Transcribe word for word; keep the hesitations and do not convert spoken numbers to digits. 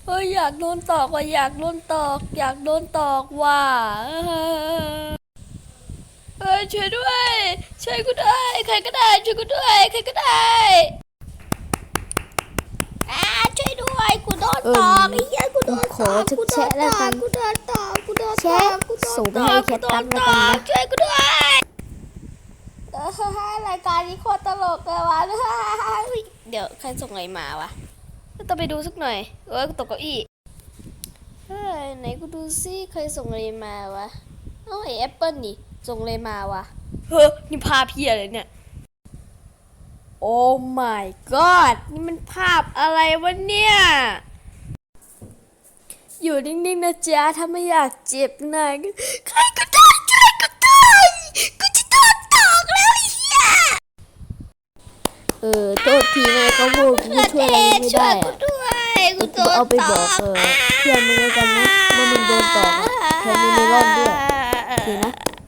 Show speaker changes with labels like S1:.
S1: เฮ้ยอยากโดนตอกว่ะอยากโดนตอกอยากโดนตอกว่ะเฮ้ยช่วยด้วยช่วยกูด้วยใครก็ได้ช่วยกูด้วยใครก็ได้อ่าช่วยด้วยกูโดนตอกไอ้เหี้ยกูโดนตอกกูโดนตอกกูโดนตอกกูโดนตอกกูโดนตอกกูโดนตอกช่วยกูด้วยเออรายการนี้โคตรตลกเลยวะเดี๋ยวใครส่งอะไรมาวะต้องไปดูสักหน่อยเออกูตกเก้าอี้เฮ้ยไหนกูดูซิใครส่งอะไรมาวะเอ้าไอแอปเปิลนี่ส่งอะไรมาวะเฮ้ยนี่ภาพเพี้ยอะไรเนี่ยโอ้ my god นี่มันภาพอะไรวะเนี่ยอยู่นิ่งๆนะจ๊ะถ้าไม่อยากเจ็บนะใครก็ได้ช่วยกูด้วยกูจะโดนตอกแล้วไอ้เหี้ย
S2: เออโทษทีไงเขาพูดกูช่วยอะไรไม่ได้อะ
S1: ด้วยกูโด
S2: กู
S1: น
S2: เอาไป
S1: ต
S2: บอก
S1: อก
S2: เออเพื่อนมึงแล้วกันนะว่ามึงโดนตอกอะแถมมีเมลอนด้วยโอเคนะ